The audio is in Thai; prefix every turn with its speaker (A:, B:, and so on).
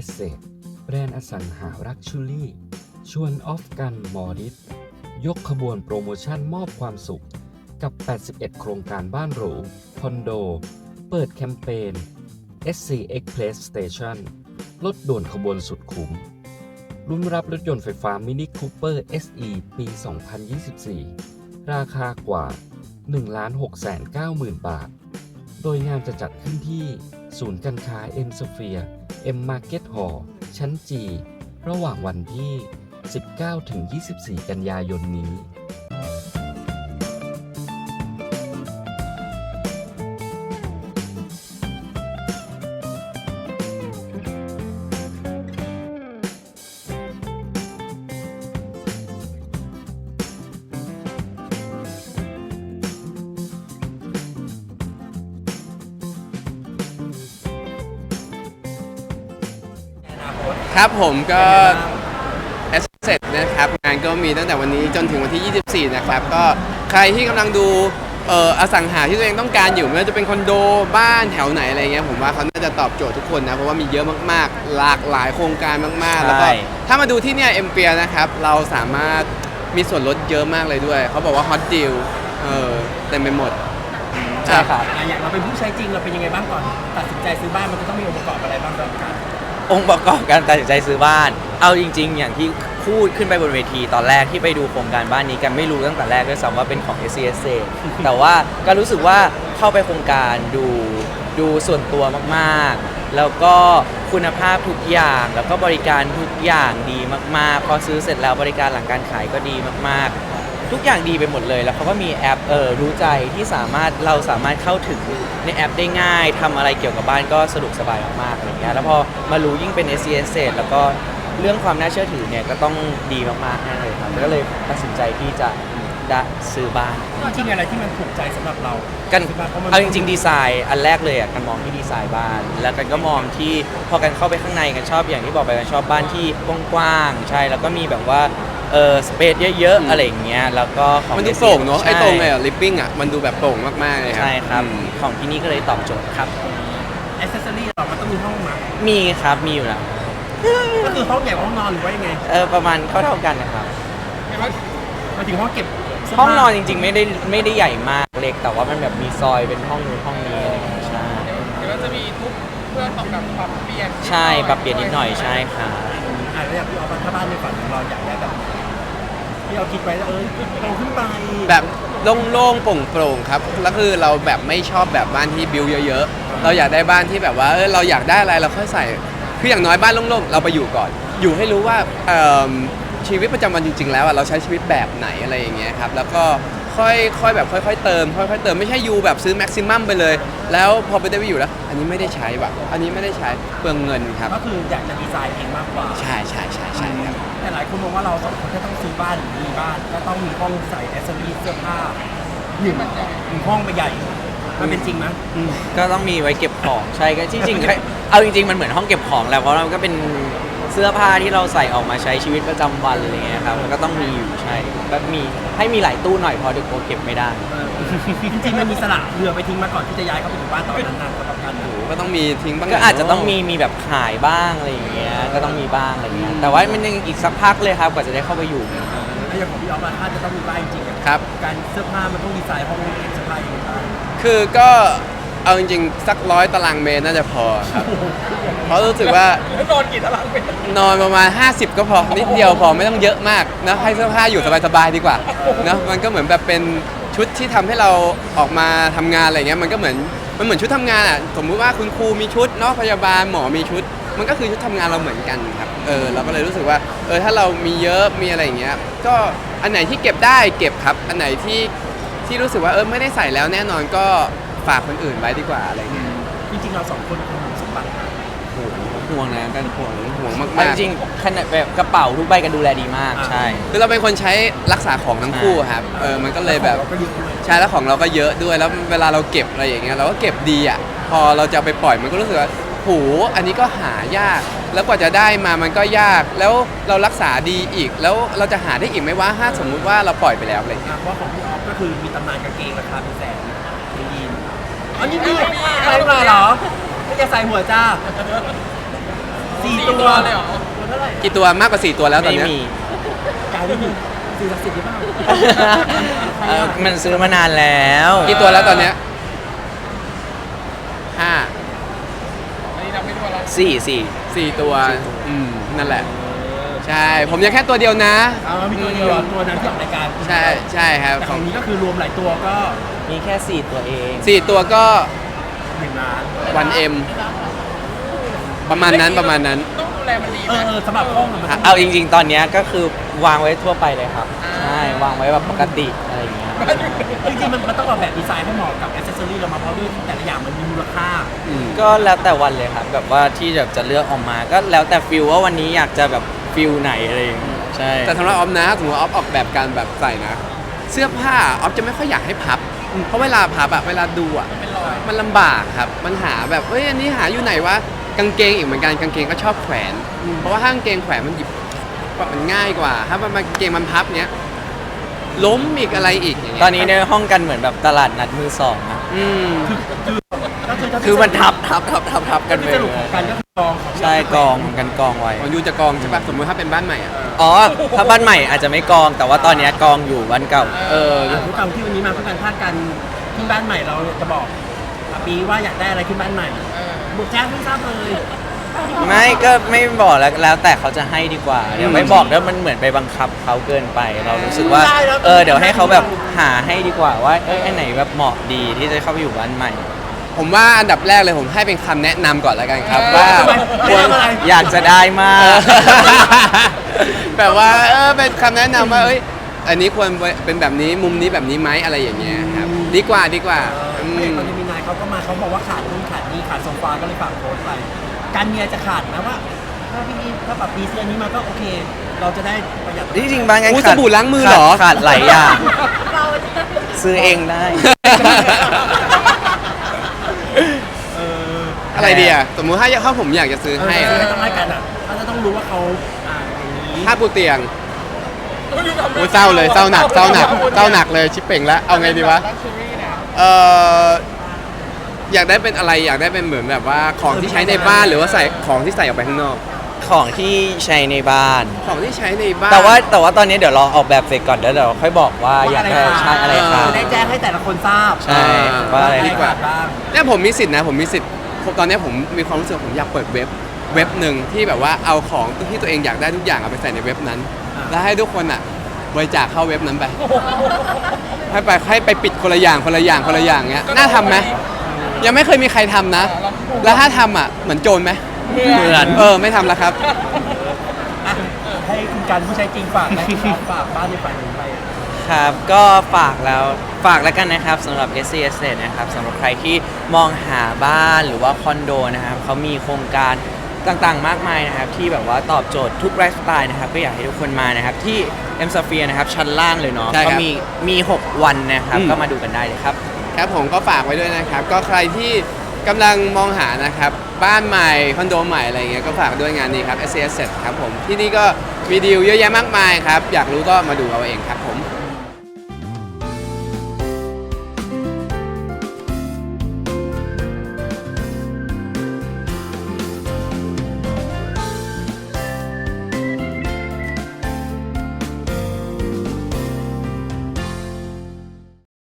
A: Estate แบรนด์อสังหารักชูรี่ชวนออฟกันมอริสยกขบวนโปรโมชั่นมอบความสุขกับ 81 โครงการบ้านหรูคอนโดเปิดแคมเปญ SC Express Station ลดด่วนขบวนสุดคุ้มลุ้นรับรถยนต์ไฟฟ้ามินิคูเปอร์ SE ปี 2024 ราคากว่า 1,690,000 บาท โดยงานจะจัดขึ้นที่ศูนย์การค้า M Sphere M Market Hall ชั้น G ระหว่างวันที่ 19-24 กันยายนนี้
B: ครับผมก็แอสเซทนะครับงานก็มีตั้งแต่วันนี้จนถึงวันที่ 24 นะครับก็ใครที่กำลังดูอสังหาที่ตัวเองต้องการอยู่ไม่ว่าจะเป็นคอนโดบ้านแถวไหนอะไรเงี้ยผมว่าเขาน่าจะตอบโจทย์ทุกคนนะเพราะว่ามีเยอะมากๆหลากหลายโครงการมากๆแล้วก็ถ้ามาดูที่เนี่ยเอ็มเปียนะครับเราสามารถมีส่วนลดเยอะมากเลยด้วยเขาบอกว่าฮอตดีลเต็มไปหมด
C: ใช่ครับอย่างเราเป็นผู้ใช้จริงเราเป็นยังไงบ้างก่อนตัดสินใจซื้อบ้านมันจะต้องมีองค์ประกอบอะไรบ้างกัน
D: องค์ประกอบการตัดสินใจซื้อบ้านเอาจริงๆอย่างที่พูดขึ้นไปบนเวทีตอนแรกที่ไปดูโครงการบ้านนี้กันไม่รู้ตั้งแต่แรกด้วยซ้ำว่าเป็นของ SCSA แต่ว่าก็รู้สึกว่าเข้าไปโครงการดูส่วนตัวมากๆแล้วก็คุณภาพทุกอย่างแล้วก็บริการทุกอย่างดีมากๆพอซื้อเสร็จแล้วบริการหลังการขายก็ดีมากๆทุกอย่างดีไปหมดเลยแล้วเขาก็มีแอปรู้ใจที่เราสามารถเข้าถึงในแอปได้ง่ายทำอะไรเกี่ยวกับบ้านก็สะดวกสบายมากๆอะไรเงี้ยแล้วพอมารู้ยิ่งเป็น SCSA แล้วก็เรื่องความน่าเชื่อถือเนี่ยก็ต้องดีมากๆแน่เลยครับก็เลยตัดสินใจที่จะซื้อบ้าน
C: จริงอะไรที่มันถูกใจสำหรับเรา
D: กันเอาจริงๆดีไซน์อันแรกเลยกันมองที่ดีไซน์บ้านแล้วกันก็มองที่พอกันเข้าไปข้างในกันชอบอย่างที่บอกไปกันชอบบ้านที่กว้างๆใช่แล้วก็มีแบบว่าสเปซเยอะๆอะไรอย่างเงี้ยแล้วก็ของ
B: มันดูโปร่งเนาะไอ้ตรงไอ้ลิฟวิ่งอ่ะมันดูแบบโปร่งมากๆเลยครับ
D: ใช่ครับของที่นี่ก็เลยตอบโจทย์ครับ
C: แอคเซสซอรี่เรามันต้องมีห้องมั้ย
D: มีครับมีอยู่แล้ว
C: ก็คือห้องใหญ่ห้องนอนหรือว่ายังไง
D: ประมาณเท่ากันนะครับ
C: มาถึงห้องเก็บ
D: ห้องนอนจริงๆไม่ได้ใหญ่มากเล็กแต่ว่ามันแบบมีซอยเป็นห้องนู้นห้องนี้อะไรอย่างเงี้ยใช่
C: เดี๋ยวจะมีทุกเพื่อตอบแบบปรับเปลี่ยน
D: ใช่ปรับเปลี่ยนนิดหน่อยใช่ค่ะ
C: แล้วอย่างพี่ออฟถ้าบ้านในฝันของเราอยากได้แบบที่เราคิดไว้แล้วโตขึ้นไป
B: แบบโล่งๆโปร่งๆครับแล้วคือเราแบบไม่ชอบแบบบ้านที่บิวเยอะๆเราอยากได้บ้านที่แบบว่าเราอยากได้อะไรเราค่อยใส่คืออย่างน้อยบ้านโล่งๆเราไปอยู่ก่อนอยู่ให้รู้ว่าชีวิตประจำวันจริงๆแล้วเราใช้ชีวิตแบบไหนอะไรอย่างเงี้ยครับแล้วก็ค่อยแบบค่อยๆเติมไม่ใช่ยูแบบซื้อแม็กซิมัมไปเลยแล้วพอไปได้ไปอยู่แล้วอันนี้ไม่ได้ใช้แบบอันนี้ไม่ได้ใช้เปลืองเงินครับ
C: ก็คืออยากจะดีไซน์เองมากกว่า
B: ใช่ครับ
C: แต่หลายคนมองว่าเราสองคนถ้าต้องซื้อบ้านหรือมีบ้านก็ต้องมีห้องใส่แอสเซสซอรี่เสื้อผ้าหนึ่งห้องใหญ่มันเป็นจริงไหม
D: ก็ต้องมีไว้เก็บของใช่ก็จริงๆเอาจริงๆมันเหมือนห้องเก็บของแหละเพราะมันก็เป็นเสื้อผ้าที่เราใส่ออกมาใช้ชีวิตประจำวันอะไรเงี้ยครับมันก็ต้องมีอยู่ใช่ก็มีให้มีหลายตู้หน่อยพอเดี๋ยวเก็บไม่ได้
C: จริงๆมันมีสละเรือไปทิ้งมาก่อนที่จะย้ายเข้าไปอยู่บ้านตอนนั้นนานสำหรับกัน
B: ก็ต้องมีทิ้งบ้าง
D: ก็อาจจะต้องมีแบบขายบ้างอะไรอย่างเงี้ยก็ต้องมีบ้างอะไรเงี้ยแต่ว่ามันยังอีกสักพักเลยครับกว่าจะได้เข้าไปอยู่
C: ถ้าอย่างของพี่ออฟถ้าจะต้องมีบ้านจริงๆ
B: ครับ
C: การเสื้อผ้ามันต้องดีไซน์ห้องเก็บเสื้อผ้าอย่างไร
B: คือก็เอาจริงๆสัก100 ตารางเมตรน่าจะพอครับเพราะรู้สึกว่าน
C: อนกี่ตารางเมตร
B: นอนประมาณ50ก็พอนิดเดียวพอไม่ต้องเยอะมากนะให้เสื้อผ้าอยู่สบายๆดีกว่านะมันก็เหมือนแบบเป็นชุดที่ทำให้เราออกมาทำงานอะไรเงี้ยมันเหมือนชุดทำงานอ่ะสมมุติว่าคุณครูมีชุดเนาะพยาบาลหมอมีชุดมันก็คือชุดทำงานเราเหมือนกันครับเราก็เลยรู้สึกว่าถ้าเรามีเยอะมีอะไรอย่างเงี้ยก็อันไหนที่เก็บได้เก็บครับอันไหนที่รู้สึกว่าไม่ได้ใส่แล้วแน่นอนก็ฝากคนอื่นไว้ดีกว่าอะไรเงี้ย
C: จริงๆเราสองคนเป็นห่วงสมบัติ
D: ห่วงนะกัน
B: ห่วงมาก
D: จริงขนาดแบบกระเป๋าทุกใบกันดูแลดีมากใช่
B: คือเราเป็นคนใช้รักษาของทั้งคู่ครับมันก็เลยแบบใช่แล้วของเราก็เยอะด้วยแล้วเวลาเราเก็บอะไรอย่างเงี้ยเราก็เก็บดีอ่ะพอเราจะไปปล่อยมันก็รู้สึกว่าโหอันนี้ก็หายากแล้วกว่าจะได้มามันก็ยากแล้วเรารักษาดีอีกแล้วเราจะหาได้อีกไหมว่าถ้าสมมุติว่าเราปล่อยไปแล้วอะไรเงี้ย
C: ว่าของพี่ออฟก็คือมีตำนานกางเกงราคาเป็นแสนยีนอันนี้ใส่มาเหรอไม่จะใส่หัวจ้า 4 ตัวเลยเหรอตัวเท่าไหร่
B: กี่ตัวมากกว่า 4 ตัวแล้วตอน
D: ไม่
B: เนี้ย
D: มี
C: กายได้หนึ่งสิ่งศักดิ์สิทธิ์หรือเปล่า
D: มันซื้อมานานแล้ว
B: กี่ตัวแล้วตอนเนี้ยห้า
D: สี่
B: 4 ตัวนั่นแหละ ใช่ ผมยังแค่ตัวเดียวนะ
C: เอามีตัวเดียวตัวนั้นที่ออกรายการ
B: ใช่ใช่ครับ
C: แต่ของนี้ก็คือรวมหลายตัวก็
D: มีแค่ 4 ตัวเอง
B: 4 ตัวก็
C: 1 ล้าน
B: วันเอ็มประมาณนั้น
C: สำหรับห้องมัน
D: เอาจริงๆ ตอนเนี้ยก็คือวางไว้ทั่วไปเลยครับ ใช่ วางไว้แบบปกติอะไรอย่างเงี้ย
C: จริงๆมันต้องออกแบบดีไซน์ให้เหมาะกับแอ c เซสซอรี่เรามาเพราะด้วยแต่ละอย่างมันมีมูลค่า
D: ก็แล้วแต่วันเลยครับ แบบว่าที่แบบจะเลือกออกมา ก็แล้วแต่ฟิลว่าวันนี้อยากจะแบบฟิลไหนอะไรอย่างเงี้ยใช่
B: แต่สำหรับออฟนะสมมติว่าออฟออกแบบการแบบใส่นะ เสื้อผ้าออฟจะไม่ค่อยอยากให้พับ เพราะเวลาพับอะเวลาดูอะมันลำบากครับ มันหาแบบเฮ้ยอันนี้หาอยู่ไหนวะกางเกงอีกเหมือนกันกางเกงก็ชอบแขวน เพราะว่าถ้ากางเกงแขวนมันหยิบมันง่ายกว่า ถ้ามันกางเกงมันพับเนี้ยล้มอีกอะไรอีกอย่างเงี้ย
D: ตอนนี้ในห้องกันเหมือนแบบตลาดนัดมือสองอะ
B: อืม
C: ก็คือถ้า
D: คือมันทับกัน
C: ที่
D: ไป
C: สรุปของกันก็คือกองของ
D: ใช่กองกันกองไว้
B: ของยูจะกองใช่ปะสมมติถ้าเป็นบ้านใหม่อะ
D: อ๋อ ถ้าบ้านใหม่อาจจะไม่กอง แต่ว่าตอนเนี้ยกองอยู่บ้านเก่า
C: ทุกคำที่วันนี้มาเพื่อการพาดกันขึ้นบ้านใหม่เราจะบอกปีว่าอยากได้อะไรขึ้นบ้านใหม่บุกแจ้งไม่ทราบเลย
D: ไม่ก็ไม่บอกแล้วแต่เขาจะให้ดีกว่าเดี๋ยวไม่บอกแล้วมันเหมือนไปบังคับเขาเกินไป เรารู้สึกว่าเดี๋ยวให้เขาแบบหาให้ดีกว่าว่าอันไหนแบบเหมาะดีที่จะเข้าไปอยู่บ้านใหม่
B: ผมว่าอันดับแรกเลยผมให้เป็นคำแนะนำก่อนแล้วกันครับว่า
C: ควรอะไร
D: อยากจะได้มาก
B: แบบว่าเป็นคำแนะนำว่าอันนี้ควรเป็นแบบนี้มุมนี้แบบนี้ไหมอะไรอย่างเงี้ยครับดีกว่า
C: ไม่ตอนที่มีนายเขาก็มาเขาบอกว่าขาดนู่นขาดนี่ขาดโซฟาก็เลยฝากโค้ชไปการมีอะไรจะขาดนะว่าถ้าปรับปีเสื้อนี้มาก็โอเค เราจะได้ประหยัด
D: จริงๆบางงาน
B: สบู่ล้างมือเหรอ
D: ขาดหลายอย่างซื้อเองได้
B: อะไรดีอ่ะสมมุติถ้าผมอยากจะซื้อให้อะ
C: ต้องให้กันอ่ะเขาจะต้องรู้ว่าเขาอย่างนี้
B: ผ้าปูเตียงโอ้ยเศร้าเลยเศร้าหนักเลยชิปเป่งแล้วเอาไงดีวะอยากได้เป็นอะไรอยากได้เป็นเหมือนแบบว่าของที่ใช้ในบ้านหรือว่าใส่ของที่ใส่ออกไปข้างนอก
D: ของที่ใช้ในบ้าน
B: ของที่ใช้ในบ้าน
D: แต่ว่าตอนนี้เดี๋ยวรอออกแบบเสร็จก่อนแล้วเดี๋ยวค่อยบอกว่าอยากได้ใช้อะไรครับ
C: จะได้แจ้งให้แต่ละคนทราบ
D: ใช่ว่าอะไร
B: ดีกว่า
C: บ้าง
B: เนี่ยผมมีสิทธินะผมมีสิทธิ์ตอนนี้ผมมีความรู้สึกผมอยากเปิดเว็บหนึ่งที่แบบว่าเอาของที่ตัวเองอยากได้ทุกอย่างเอาไปใส่ในเว็บนั้น แล้วให้ทุกคนอ่ะบริจาคเข้าเว็บนั้นไปให้ไปปิดคนละอย่างเงี้ยน่าทำไหมยังไม่เคยมีใครทำนะ แล้วถ้าทำอ่ะเหมือนโจรไหม
D: เหมือน
B: ไม่ทำแล้วครับ
C: ให้คุณการผู้ใช้จริงฝากนะฝากบ้านในฝันถึงไป
D: ครับก็ฝากแล้วกันนะครับสำหรับ SC Estate นะครับสำหรับใครที่มองหาบ้านหรือว่าคอนโดนะครับเขามีโครงการต่างๆมากมายนะครับที่แบบว่าตอบโจทย์ทุกไลฟ์สไตล์นะครับก็อยากให้ทุกคนมานะครับที่ M Sphere นะครับชั้นล่างเลยเนาะ
B: ใช่ครั
D: ก็
B: บ
D: มี 6 วันนะครับก็มาดูกันได้เลยครับ
B: ครับผมก็ฝากไว้ด้วยนะครับ ก็ใครที่กำลังมองหานะครับบ้านใหม่คอนโดใหม่อะไรเงี้ยก็ฝากด้วยงานนี้ครับ SC Asset ครับผมที่นี่ก็มีดีลเยอะแยะมากมายครับอยากรู้ก็มาดูเอาเองครับผม